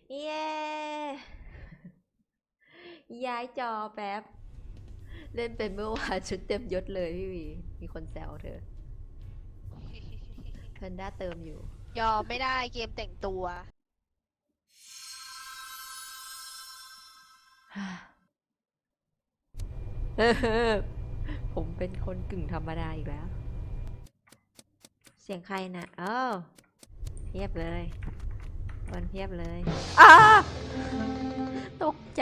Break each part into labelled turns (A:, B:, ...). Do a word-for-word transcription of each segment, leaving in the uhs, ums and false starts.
A: เย้ย้ายจอแป๊บ เล่นเป็นเมื่อวานชุดเต็มยศเลยพี่วีมีคนแซวเธอเพนด้าเติมอยู่
B: ยอมไม่ได้เกมแต่งตัว
A: ผมเป็นคนกึ่งธรรมดาอีกแล้ว เสียงใครนะเอ้าเพียบเลยคนเพียบเลยอ้าตกใจ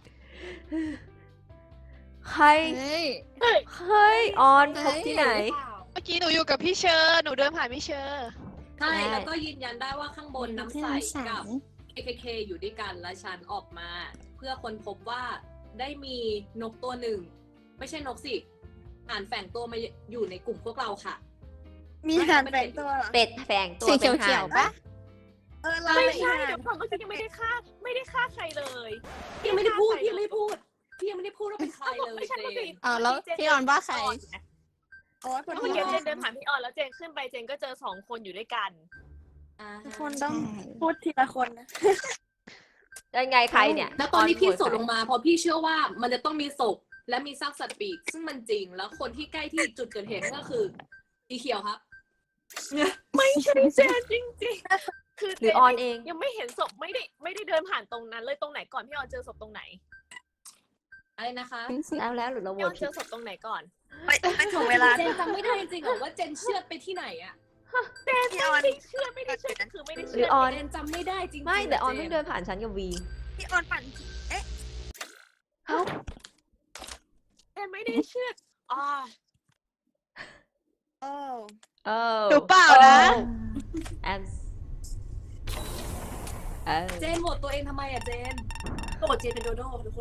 A: ใคร
C: เฮ้ย
A: เฮ้ย ออน
C: เฮ้
A: พ
C: ย
A: บที่ไหน
B: เมื่อกี้หนูอยู่กับพี่เชอร์หนูเดินผ่านพี่เชอร์
D: ใช่
A: ใช่
D: แล้วก็ยืนยันได้ว่าข้างบนน้ำใสกับ เค เค เค อยู่ด้วยกันและฉันออกมา เพื่อค้นพบว่าได้มีนกตัวหนึ่ง ไม่ใช่นกสิอ่านแฝงตัวมาอยู่ในกลุ่มพวกเราค่ะ
C: มีหานแฝงตัวเหรอ
A: เป็ดแฝงตัว
C: สี
A: เป็น
C: เขียว
A: ห่าน
C: ๆปะ เออเรา
E: ไม่
C: ไม่
E: ใช่
C: ใช่
E: เดี๋ยวก่อนเมื่อกี้ยังไม่ได้ฆ่าไม่ได้ฆ่าใครเลย
D: พี่ยังไม่ได้พูด พี่ยังไม่ได้พูด พี่ยังไม่ได้พูดว่าเป็นใครเลย
E: ไม่ใช่
D: เจ
E: เมื่อกี้
D: น
C: อ้าวแล้วพี่ออนว่าใคร โอ้ยคน
E: เมื่อ
C: เดี
E: กี้
C: ยว
E: เจนเดินผ่านพี่ออนแล้วเจนขึ้นไปเจนก็เจอสองคนอยู่ด้วยกัน
D: อ่า
C: ทุกคนต้องพูดทีละคนนะ
A: ยังไงใครเนี่ย
D: แล้วตอนนี้พี่สดลง
A: มา
D: มาเพราะพี่เชื่อว่ามันจะต้องมีศพและมีซากสัตว์ปีกซึ่งมันจริง แล้วคนที่ใกล้ที่จุดเกิดเหตุก็คือสีเขียวครับ
E: ไม่ใช่เจนจริงๆ คือ
A: หรือออนเอง
E: ยังไม่เห็นศพไม่ได้ไม่ได้เดินผ่านตรงนั้นเลยตรงไหนก่อนพี่ออนเจอศพตรงไหน
D: อะไรนะคะ
A: แล้วแล้วหรือเราโหว
E: พี่อ
A: ต
E: อนเจ
A: ผิด
E: อศพตรงไหนก่อน
C: ไม่ไม่ถ่วงเวลา
D: เจนจำไม่ได้จริงๆเหรอว่าเจนเชื่อดไปที่ไหนอะ
C: พี่ออน
E: ไม่เชื่อไม่ได้เชื่อคือไม่ได้
A: หรื
E: เชื่
A: อ
E: อ
A: ออน
D: เจนจำไม่ได้จริงๆ
A: ไม่แต่ออน
D: จ
A: เพิ่งเดินผ่านฉันกับวี
C: พี่ออนปั่น
E: เจนไม่ได้เชื่ออ๋อ
C: โอ้
A: เออ
B: หนูเปล่านะ
A: แอมเออ
D: เจนโหวตตัวเองทำไมอะเจนก็โหวตเจนเป็นโดโด้ทุกคน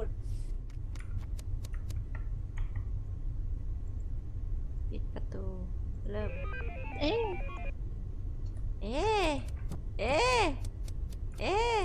A: ปิดประตู เริ่ม
C: เอ๊ะ
A: เอ๊ะเอ๊ะเอ๊ะ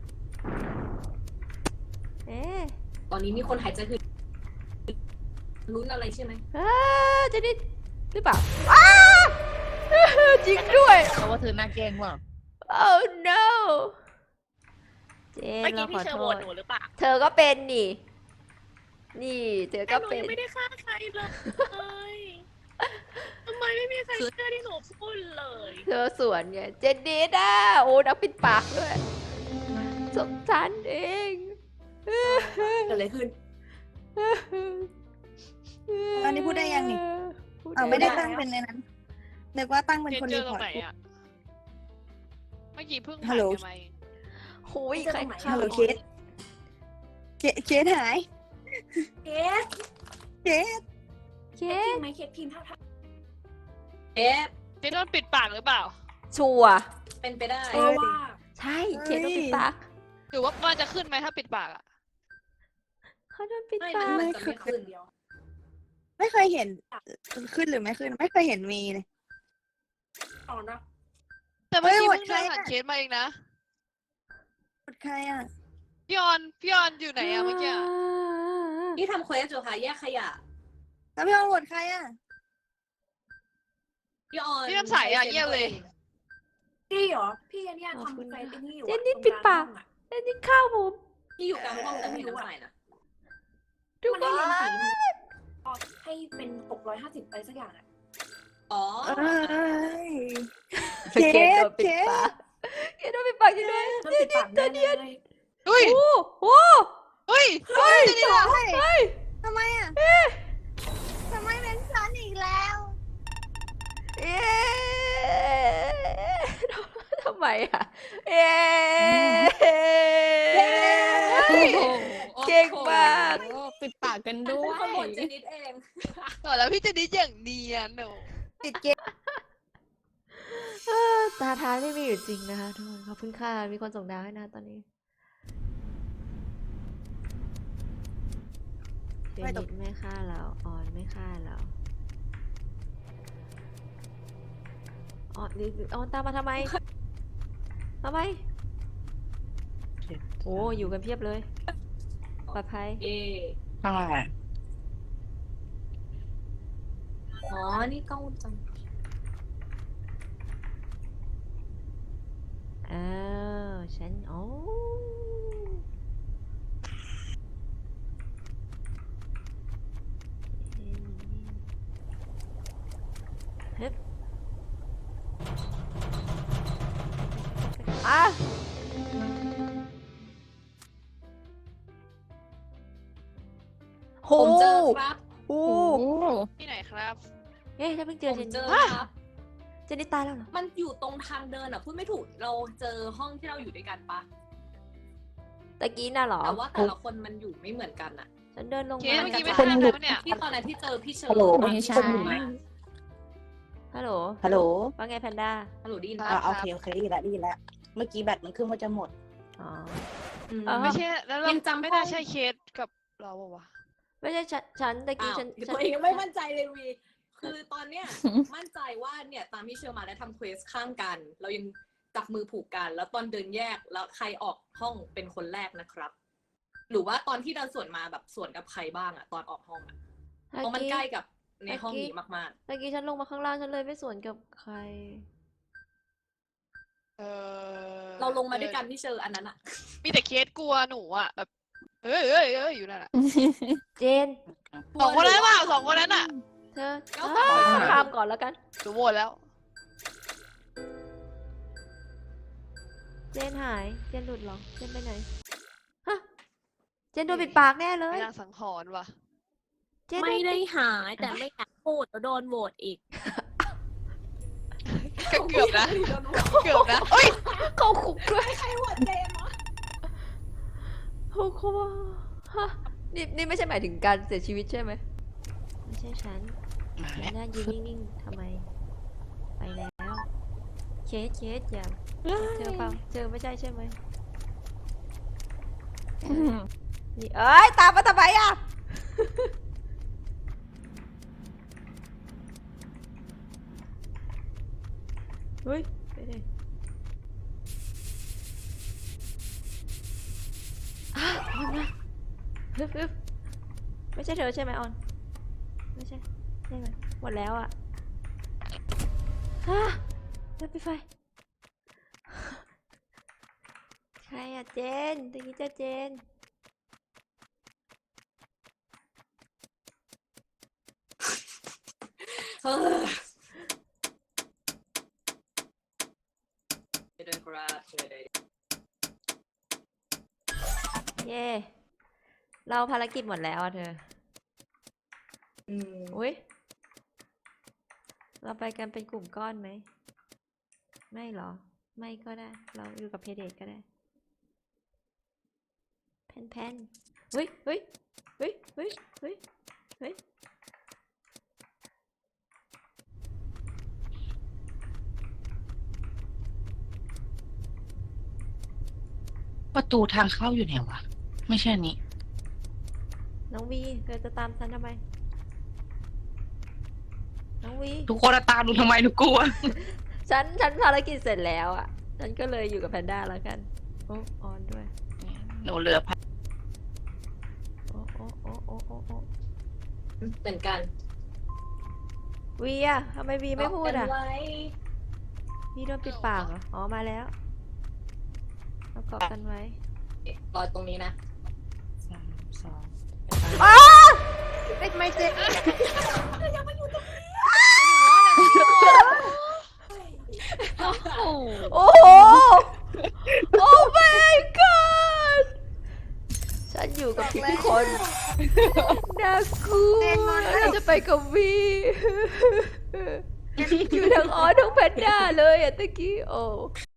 A: เอ๊ะ
D: ตอนนี้มีคนหายใจคือลุ้นอะไรใช่ไหม
A: อ้าจะได้หรือเปล่าอ้าจริงด้วย
C: เขาว่าเธอหน้าแกล้งว่ะ
A: oh no เจน
E: เมื่อ
A: เรา
E: กี้
A: ข
E: พี่
A: อ
E: เชอร์
A: โท
E: โหว
A: ษ
E: ตหนูหรือเปล่า
A: เธอก็เป็นนี่ นี่ เธอ
E: แต่
A: ก็
E: หนู
A: เป็น
E: ยังไม่ได้ฆ่าใครเลยทำไมไม่มีใครเชื่อที่หนูพูดเลย
A: เธอสวนไงเจนดีด้าโอ้นักปิดปากด้วยสมฉันเอง
D: เกิดอะไรขึ้น
C: ตอนนี้พูดได้ยังนี่
A: พู
C: อ้าว
A: ด้
C: ไม่ได้
A: แล้ว
C: ตั้งเป็นในนั้นนึกว่าตั้งเป็น
B: เจน
C: คน
B: เจ
C: รี
B: อต
C: พ
B: ร
C: อง ร์
B: ไหน
C: ต
B: อ่ะ เมื่อกี้เพิ่ง
C: ฮั
B: ผ่า
C: ล
B: น
C: โหล
B: กันมาเอง
A: โอ้ย
D: เจอ
A: ใคร
D: ตรงไหน
A: ฆ่า
C: ฮัลโหลเคสเคสเคสหาย
D: เคส
C: เคส
A: เค
D: เคส
A: ส
D: ไหมเคสพิมพ์ท่าทางเคส
B: เจนโดนปิดปากหรือเปล่า
A: ชัวร์
D: เป็นไปได้
C: เออ
D: ว่า
A: ใช่เคสโดนปิดปาก
B: หรือว่ามันจะขึ้นไหมถ้าปิดปากอ่ะ
A: เขาโดนปิด
D: ไม่
A: ปา
D: มัน
A: ก
D: มันจะไม่ขึ้นเดียว
C: ไม่เคยเห็นขึ้นหรือไม่ขึ้น ไม่เคยเห็นมีเลย
D: อ๋อนะ
B: แต่เมื่อกี้
C: เฮ้ย
B: เพิ่งเดิน
C: โหวตใคร
B: ผ่าน
C: อะ
B: เคสมาเองนะ
C: กดใครอ่ะ
B: พี่ออน พี่ออนอยู่ไหนอะเมื่อกี้อะ
D: ที่ทำเควสอยู่ค่ะแยกขยะ
C: แล้วพี่ออนโหวตใครอ่ะ
D: พี่ออน
B: พี่น้ำใสอะเยี่ยมเลย
D: พี่เหรอ พี่เนี่ยทำเควสไอ้นี่อยู่
A: เจ
D: อะ
A: นนี่ปิดปาก
D: ตรงลงห้องอะ
A: เจนนี่ข้าวผม
D: พี่อยู่กลางห้องแต่ไม่เห็นน้ำใสนะ
A: ทุก
F: มัน
A: ค
F: ให้
A: น
F: เรียนผีให้เป็นหกร้อยห้าสิบไปสักอย่างอ่ะ
D: อ๋อ
C: เอ้ย
A: เคสโดนปิดปากเคสโดนปิดปากจริงด้วย
F: มันปิดปากแน่เลย
B: เฮ้ย
A: โอ้โห
B: เฮ้ย เฮ้ยเจนนี่อะ
C: เฮ้ย
A: เฮ้ย
C: ทำไมอ่ะทำไมเป็นฉันอีกแล้ว
A: เอ๊ะทำไมอ่ะเอ๊ะ
B: โอ้โห
A: เก่งมาก
C: โอ้ปิดปากกันด้
D: เป็
C: วน
D: คนโหวต
C: ย
D: เจนิดเอง
B: ต่อแล้วพี่เจนนี่อย่างเนียนหนู
C: ปิดเกม
A: เออตาท้ายไม่มีอยู่จริงนะคะทุกคนขอบคุณค่ะมีคนส่งดาวให้นะตอนนี้เจนิดไม่ฆ่าเราออนไม่ฆ่าเราออนนี่ออนตามมาทำไมทำไมโอ้อยู่กันเพียบเลยปลอดภัย
D: เอ
C: ใช่
D: อ๋อ นี่กล้องวงจรปิด
A: อ้าวฉันโอ้
D: ครับ
A: โอ้
E: โอ้
B: ที่ไหนครับ
A: เอ๊ะถ้าเพิ่งเจ
D: ผ
A: อ
D: ม
A: เจน
D: เจอ
A: ฮะ
D: ครับ
A: เจนนี่ตายแล้วเหรอ
D: มันอยู่ตรงทางเดินอ่ะพูดไม่ถูกเราเจอห้องที่เราอยู่ด้วยกันปะ
A: ตะกี้น่ะเหรอ
D: แต่ว่าแต่ละคนมันอยู่ไม่เหมือนกันอ่ะ
A: ฉันเดินลง
B: เค
A: มา
B: สเมื่อกี้ไม่
D: ค
B: ใช่
D: น
B: ใค
D: อยู่
B: รปะเนี่ย
D: ที่ตอนนั้นที่เจอพี่เชอร์
C: ฮัลโหล
E: ไม่ใช่
C: คนอยู่ไหน
A: ฮัลโหล
C: ฮัลโหล
A: ว่าไงแพนด้า
D: ฮัลโหลได้ยิน
B: ครั
C: อ่า
B: บ
C: โอเคโอเคได้ยินแล้วได้ยินแล้วเมื่อกี้แบตมันขึ้นว่าจะหมด
A: อ๋อ
D: อืม
A: อ่า
B: ไม่ใช่แล้วเรา
D: ยังจำ
B: ไม่น่า
D: ห้อง
B: ใช่เคสกับเราปะวะ
A: ไม่ใช่ฉันฉันตะกี้
D: อ้าว
A: ฉันฉั
D: ตัวเองยังไม่มั่นใจเลยวี คือตอนเนี้ย มั่นใจว่าเนี่ยตามที่เชอร์มาได้ทำเควสข้างกัน เรายังจับมือผูกกัน แล้วตอนเดินแยกแล้วใครออกห้องเป็นคนแรกนะครับ หรือว่าตอนที่เดินสวนมาแบบสวนกับใครบ้างอะตอนออกห้องอะเพราะมันใกล้กับในห้องนี้มาก
A: ตะกี้ฉันลงมาข้างล่างฉันเลยไม่สวนกับใคร
B: เออ
D: ๆ เราลงมาด้วยกันที่เชอร์อันนั้นอะ
B: มีแต่เคสกลัวหนูอ่ะแบบเอ้ยเอ้ยเอ้ยอยู่นั่นแหละ
A: เจน
B: สองคนนั้นเปล่าสองคนนั้นอ่ะ
A: เธอ
D: ก็
A: อ้า
D: สองคน
A: ข้ามก่อนแล้วกัน
B: หนูโหวตแล้ว
A: เจนหาย เจนหลุดเหรอ เจนไปไหน ฮะ เจนโดนปิดปากแน่เลย
B: ไม่นางสังหรณ์ว่ะ
A: เจนโน
E: ไม่ได้
A: ปิ
E: หายแต่ไม่อยากพูดแล้วโดนโหวตอีก
B: ก็เกือบนะ เกือบนะเอ้ย
A: เข้าคุกด้วย
D: ใครโหวตเจมส์วะ
A: เขาเขาว่าฮะนี่นี่ไม่ใช่หมายถึงการเสียชีวิตใช่ไหม ไม่ใช่ฉัน
C: มา
A: ฉั
C: แล้ว
A: นน่ายืนนิ่งๆทำไม ไปแล้ว เคสเคสอย่าเจอเปล่าเจอไม่ใช่ใช่ไหมนี่เอ้ย ตามมาทำไมอ่ะ เฮ้ย ไปเลยอ่ะออนมาฮึบฮึบไม่ใช่เธอใช่ไหมออน ไม่ใช่ใช่ไหมหมดแล้วอ่ะฮะเดินไปไฟ ใครอ่ะเจนตะกี้เจะเจน
D: เออไปเดินกราดเลย
A: เย่เราภารกิจหมดแล้วอ่ะเธอ
D: อืม
A: อุ้ยเราไปกันเป็นกลุ่มก้อนไหม ไม่หรอ ไม่ก็ได้ เราอยู่กับเพเดทก็ได้ แพนแพนเฮ้ยเฮ้ยเฮ้ยเฮ้ยเฮ้ยเฮ้ย
C: ประตูทางเข้าอยู่ไหนวะไม่ใช่อันนี้
A: น้องวีเธอจะตามฉันทำไม น้องวี
C: ทุกคนตามดูทำไมหนูกลัว
A: ฉัน ฉันภารกิจเสร็จแล้วอ่ะ ฉันก็เลยอยู่กับแพนด้าแล้วกัน โอ้ออนด้วย
C: หนูเหลือพัน
A: โอ้โอ้โอ้โอ้โอ้โอ้
D: เหมือนกัน
A: วีอะทำไมวีไม่พูดอ่ะ
D: เกากันไว้
A: วีโดนปิดปากเหรอ อ๋อ มาแล้วเราเกาะกันไว้
D: รอตรงนี้นะ
C: สามสอง
A: ไม่ไม่เจ๊ โอ้โห โอ้ my god ฉันอยู่กับทุกคนน่ากลัวเราจะไปกับวี อยู่ทั้งออสทั้งแพนด้าเลยอะตะกี้ โอ้